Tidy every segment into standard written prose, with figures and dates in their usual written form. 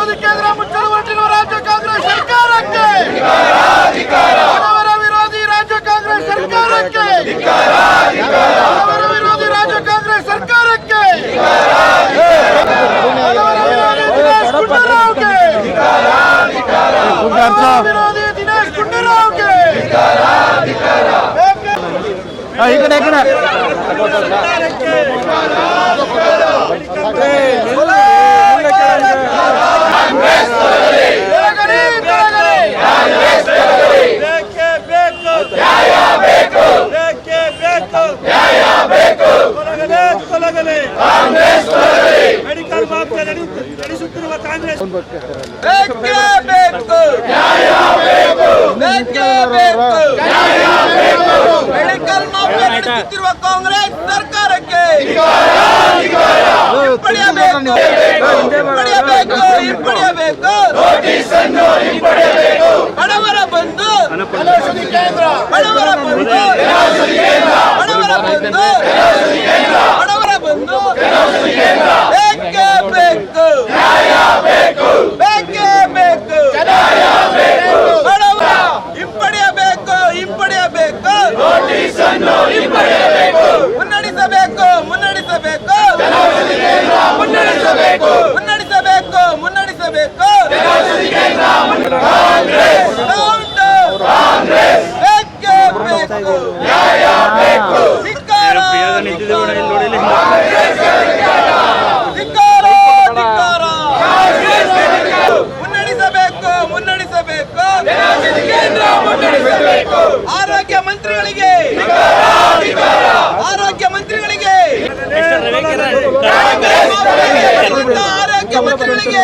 ವಿರೋಧಿ ಕೇಂದ್ರ ಮುಚ್ಚಲು ಹೊರಟಿರುವ ರಾಜ್ಯ ಕಾಂಗ್ರೆಸ್ ಸರ್ಕಾರಕ್ಕೆ, ಬಡವರ ವಿರೋಧಿ ರಾಜ್ಯ ಕಾಂಗ್ರೆಸ್ ಸರ್ಕಾರಕ್ಕೆ, ಬಡವರ ವಿರೋಧಿ ರಾಜ್ಯ ಕಾಂಗ್ರೆಸ್ ಸರ್ಕಾರಕ್ಕೆ, ಬಡವರ ವಿರೋಧಿ ದಿನೇಶ್ ಗುಂಡೂರಾವ್ಗೆ, ಬಡವರ ವಿರೋಧಿ ದಿನೇಶ್ ಗುಂಡೂರಾವ್ಗೆ ಮೆಡಿಕಲ್ ಮಾಫಿಯಾ ನಡೆಸುತ್ತಿರುವ ಕಾಂಗ್ರೆಸ್ ಮೆಡಿಕಲ್ ಮಾಫಿಯಾ ನಡೆಸುತ್ತಿರುವ ಕಾಂಗ್ರೆಸ್ ಸರ್ಕಾರಕ್ಕೆ ಹಿಂಪಡೆಯಬೇಕು. ಬಡವರ ಬಂಧು, ಬಡವರ ಬಂಧು, ಬಡವರ ಬಂಧು, ಬಡವರ ಬಂಧು ಬೇಕೇ ಬೇಕು, ಬೇಕೇ ಬೇಕು. ಬಡವ ಹಿಂಪಡೆಯಬೇಕು, ಹಿಂಪಡೆಯಬೇಕು, ಮುನ್ನಡೆಸಬೇಕು, ಮುನ್ನಡೆಸಬೇಕು, ಮುನ್ನಡೆಸಬೇಕು, ಮುನ್ನಡೆಸಬೇಕು, ಮುನ್ನಡೆಸಬೇಕು. ಬೇಕೇ ಬೇಕು, ಧಿಕ್ಕಾರ, ಧಿಕ್ಕಾರ, ಧಿಕ್ಕಾರ. ಮುನ್ನಡೆಸಬೇಕು, ಮುನ್ನಡೆಸಬೇಕು, ಆರೋಗ್ಯ ಮಂತ್ರಿಗಳಿಗೆ, ಆರೋಗ್ಯ ಮಂತ್ರಿಗಳಿಗೆ, ಆರೋಗ್ಯ ಮಂತ್ರಿಗಳಿಗೆ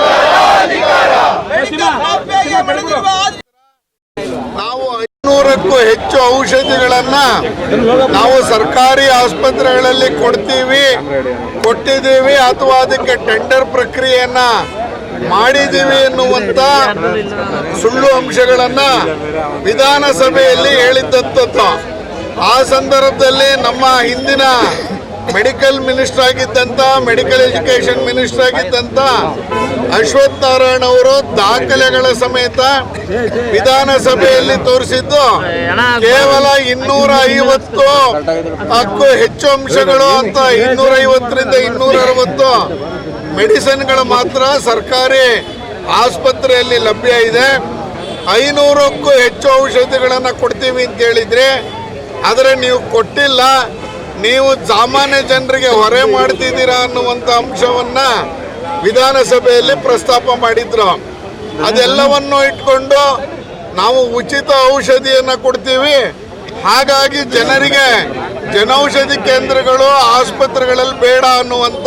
ಮೆಡಿಕಲ್ ಮಾಫಿಯಾಗೆ ಬೆಳೆದಿರುವ ನಾವು 500ಕ್ಕೂ ಹೆಚ್ಚು ಔಷಧಿಗಳನ್ನ ನಾವು ಸರ್ಕಾರಿ ಆಸ್ಪತ್ರೆಗಳಲ್ಲಿ ಕೊಟ್ಟಿದ್ದೀವಿ ಅಥವಾ ಅದಕ್ಕೆ ಟೆಂಡರ್ ಪ್ರಕ್ರಿಯೆಯನ್ನ ಮಾಡಿದ್ದೀವಿ ಎನ್ನುವಂತ ಸುಳ್ಳು ಅಂಶಗಳನ್ನ ವಿಧಾನಸಭೆಯಲ್ಲಿ ಹೇಳಿದ್ದಂಥದ್ದು. ಆ ಸಂದರ್ಭದಲ್ಲಿ ನಮ್ಮ ಹಿಂದಿನ ಮೆಡಿಕಲ್ ಮಿನಿಸ್ಟರ್ ಆಗಿದ್ದಂತ, ಮೆಡಿಕಲ್ ಎಜುಕೇಶನ್ ಮಿನಿಸ್ಟರ್ ಆಗಿದ್ದಂತ ಅಶ್ವಥ್ ನಾರಾಯಣ ಅವರು ದಾಖಲೆಗಳ ಸಮೇತ ವಿಧಾನಸಭೆಯಲ್ಲಿ ತೋರಿಸಿದ್ದು ಕೇವಲ 250ಕ್ಕೂ ಹೆಚ್ಚು ಅಂಶಗಳು ಅಂತ 250ರಿಂದ 260 ಮೆಡಿಸಿನ್ಗಳು ಮಾತ್ರ ಸರ್ಕಾರಿ ಆಸ್ಪತ್ರೆಯಲ್ಲಿ ಲಭ್ಯ ಇದೆ. 500ಕ್ಕೂ ಹೆಚ್ಚು ಔಷಧಿಗಳನ್ನು ಕೊಡ್ತೀವಿ ಅಂತ ಹೇಳಿದ್ರೆ, ಆದರೆ ನೀವು ಕೊಟ್ಟಿಲ್ಲ, ನೀವು ಸಾಮಾನ್ಯ ಜನರಿಗೆ ಹೊರೆ ಮಾಡ್ತಿದ್ದೀರಾ ಅನ್ನುವಂಥ ಅಂಶವನ್ನ ವಿಧಾನಸಭೆಯಲ್ಲಿ ಪ್ರಸ್ತಾಪ ಮಾಡಿದ್ರು. ಅದೆಲ್ಲವನ್ನು ಇಟ್ಕೊಂಡು ನಾವು ಉಚಿತ ಔಷಧಿಯನ್ನು ಕೊಡ್ತೀವಿ, ಹಾಗಾಗಿ ಜನರಿಗೆ ಜನೌಷಧಿ ಕೇಂದ್ರಗಳು ಆಸ್ಪತ್ರೆಗಳಲ್ಲಿ ಬೇಡ ಅನ್ನುವಂಥ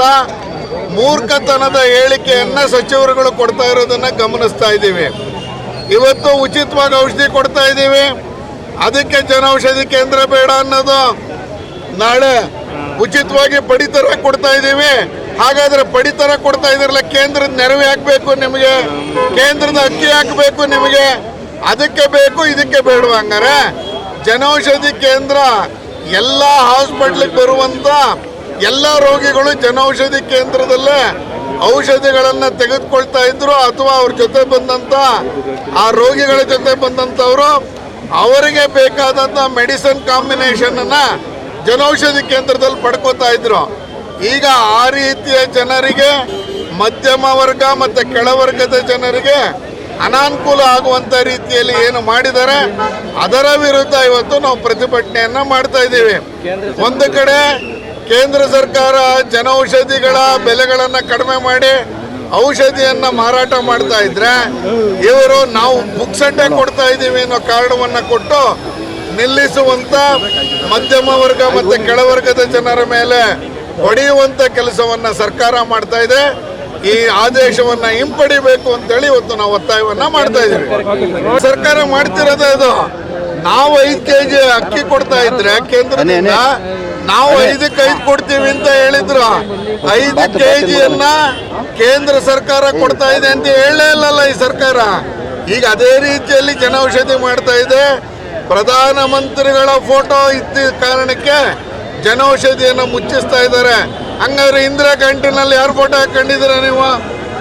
ಮೂರ್ಖತನದ ಹೇಳಿಕೆಯನ್ನ ಸಚಿವರುಗಳು ಕೊಡ್ತಾ ಇರೋದನ್ನ ಗಮನಿಸ್ತಾ ಇದ್ದೀವಿ. ಇವತ್ತು ಉಚಿತವಾಗಿ ಔಷಧಿ ಕೊಡ್ತಾ ಇದ್ದೀವಿ, ಅದಕ್ಕೆ ಜನೌಷಧಿ ಕೇಂದ್ರ ಬೇಡ ಅನ್ನೋದು, ನಾಳೆ ಉಚಿತವಾಗಿ ಪಡಿತರ ಕೊಡ್ತಾ ಇದ್ದೀವಿ, ಹಾಗಾದ್ರೆ ಪಡಿತರ ಕೊಡ್ತಾ ಇದ್ರಲ್ಲ, ಕೇಂದ್ರದ ನೆರವು ಹಾಕಬೇಕು ನಿಮಗೆ, ಕೇಂದ್ರದ ಅಕ್ಕಿ ಹಾಕಬೇಕು ನಿಮಗೆ, ಅದಕ್ಕೆ ಬೇಕು ಇದಕ್ಕೆ ಬೇಡ. ಹಂಗಾರೆ ಜನೌಷಧಿ ಕೇಂದ್ರ ಎಲ್ಲ ಹಾಸ್ಪಿಟ್ಲಿಗೆ ಬರುವಂತ ಎಲ್ಲ ರೋಗಿಗಳು ಜನೌಷಧಿ ಕೇಂದ್ರದಲ್ಲೇ ಔಷಧಿಗಳನ್ನು ತೆಗೆದುಕೊಳ್ತಾ ಇದ್ರು, ಅಥವಾ ಅವ್ರ ಜೊತೆ ಬಂದಂತ ಆ ರೋಗಿಗಳ ಜೊತೆ ಬಂದಂಥವರು ಅವರಿಗೆ ಬೇಕಾದಂಥ ಮೆಡಿಸಿನ್ ಕಾಂಬಿನೇಷನ್ ಅನ್ನ ಜನೌಷಧಿ ಕೇಂದ್ರದಲ್ಲಿ ಪಡ್ಕೋತಾ ಇದ್ರು. ಈಗ ಆ ರೀತಿಯ ಜನರಿಗೆ, ಮಧ್ಯಮ ವರ್ಗ ಮತ್ತು ಕೆಳವರ್ಗದ ಜನರಿಗೆ ಅನಾನುಕೂಲ ಆಗುವಂಥ ರೀತಿಯಲ್ಲಿ ಏನು ಮಾಡಿದ್ದಾರೆ ಅದರ ವಿರುದ್ಧ ಇವತ್ತು ನಾವು ಪ್ರತಿಭಟನೆಯನ್ನ ಮಾಡ್ತಾ ಇದ್ದೀವಿ. ಒಂದು ಕಡೆ ಕೇಂದ್ರ ಸರ್ಕಾರ ಜನೌಷಧಿಗಳ ಬೆಲೆಗಳನ್ನು ಕಡಿಮೆ ಮಾಡಿ ಔಷಧಿಯನ್ನ ಮಾರಾಟ ಮಾಡ್ತಾ ಇದ್ರೆ, ಇವರು ನಾವು ಬುಕ್ಸಡ್ಡೆ ಕೊಡ್ತಾ ಇದ್ದೀವಿ ಅನ್ನೋ ಕಾರಣವನ್ನ ಕೊಟ್ಟು ನಿಲ್ಲಿಸುವಂತ ಮಧ್ಯಮ ವರ್ಗ ಮತ್ತು ಕೆಳವರ್ಗದ ಜನರ ಮೇಲೆ ಹೊಡೆಯುವಂತ ಕೆಲಸವನ್ನ ಸರ್ಕಾರ ಮಾಡ್ತಾ ಇದೆ. ಈ ಆದೇಶವನ್ನ ಹಿಂಪಡಿಬೇಕು ಅಂತೇಳಿ ಇವತ್ತು ನಾವು ಒತ್ತಾಯವನ್ನ ಮಾಡ್ತಾ ಇದ್ದೀವಿ. ಸರ್ಕಾರ ಮಾಡ್ತಿರೋದೇ ಇದು. ನಾವು 5 kg ಅಕ್ಕಿ ಕೊಡ್ತಾ ಇದ್ರೆ ಕೇಂದ್ರದಿಂದ ನಾವು 5ಕ್ಕೆ 5 ಕೊಡ್ತೀವಿ ಅಂತ ಹೇಳಿದ್ರು. 5 kgಯನ್ನ ಕೇಂದ್ರ ಸರ್ಕಾರ ಕೊಡ್ತಾ ಇದೆ ಅಂತ ಹೇಳಲೇ ಇಲ್ಲಲ್ಲ ಈ ಸರ್ಕಾರ. ಈಗ ಅದೇ ರೀತಿಯಲ್ಲಿ ಜನೌಷಧಿ ಮಾಡ್ತಾ ಇದೆ. ಪ್ರಧಾನಮಂತ್ರಿಗಳ ಫೋಟೋ ಇದ್ದ ಕಾರಣಕ್ಕೆ ಜನೌಷಧಿಯನ್ನು ಮುಚ್ಚಿಸ್ತಾ ಇದ್ದಾರೆ. ಹಂಗಾದ್ರೆ ಇಂದಿರಾ ಕ್ಯಾಂಟೀನಲ್ಲಿ ಯಾರು ಫೋಟೋ ಹಾಕೊಂಡಿದ್ದೀರಾ ನೀವು?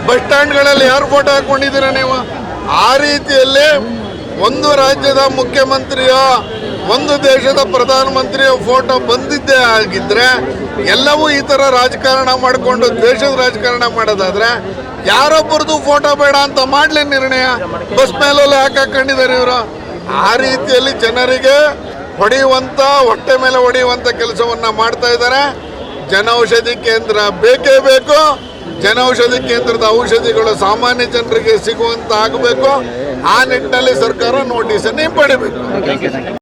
ಬಸ್ ಸ್ಟ್ಯಾಂಡ್ಗಳಲ್ಲಿ ಯಾರು ಫೋಟೋ ಹಾಕೊಂಡಿದ್ದೀರಾ ನೀವು? ಆ ರೀತಿಯಲ್ಲಿ ಒಂದು ರಾಜ್ಯದ ಮುಖ್ಯಮಂತ್ರಿಯೋ ಒಂದು ದೇಶದ ಪ್ರಧಾನಮಂತ್ರಿಯೋ ಫೋಟೋ ಬಂದಿದ್ದೇ ಆಗಿದ್ರೆ ಎಲ್ಲವೂ ಈ ಥರ ರಾಜಕಾರಣ ಮಾಡಿಕೊಂಡು ದೇಶದ ರಾಜಕಾರಣ ಮಾಡೋದಾದ್ರೆ ಯಾರೊಬ್ಬರದು ಫೋಟೋ ಬೇಡ ಅಂತ ಮಾಡಲಿ ನಿರ್ಣಯ. ಬಸ್ ಮೇಲೆಲ್ಲ ಹಾಕೊಂಡಿದ್ದಾರೆ ಇವರು. ಆ ರೀತಿಯಲ್ಲಿ ಜನರಿಗೆ ಹೊಡೆಯುವಂಥ, ಹೊಟ್ಟೆ ಮೇಲೆ ಹೊಡೆಯುವಂಥ ಕೆಲಸವನ್ನು ಮಾಡ್ತಾ ಇದ್ದಾರೆ. ಜನೌಷಧಿ ಕೇಂದ್ರ ಬೇಕೇ ಬೇಕು. ಜನೌಷಧಿ ಕೇಂದ್ರದ ಔಷಧಿಗಳು ಸಾಮಾನ್ಯ ಜನರಿಗೆ ಸಿಗುವಂತ ಆಗಬೇಕು. ಆ ನಿಟ್ಟಿನಲ್ಲಿ ಸರ್ಕಾರ ನೋಟಿಸನ್ನು ಹಿಂಪಡಿಬೇಕು.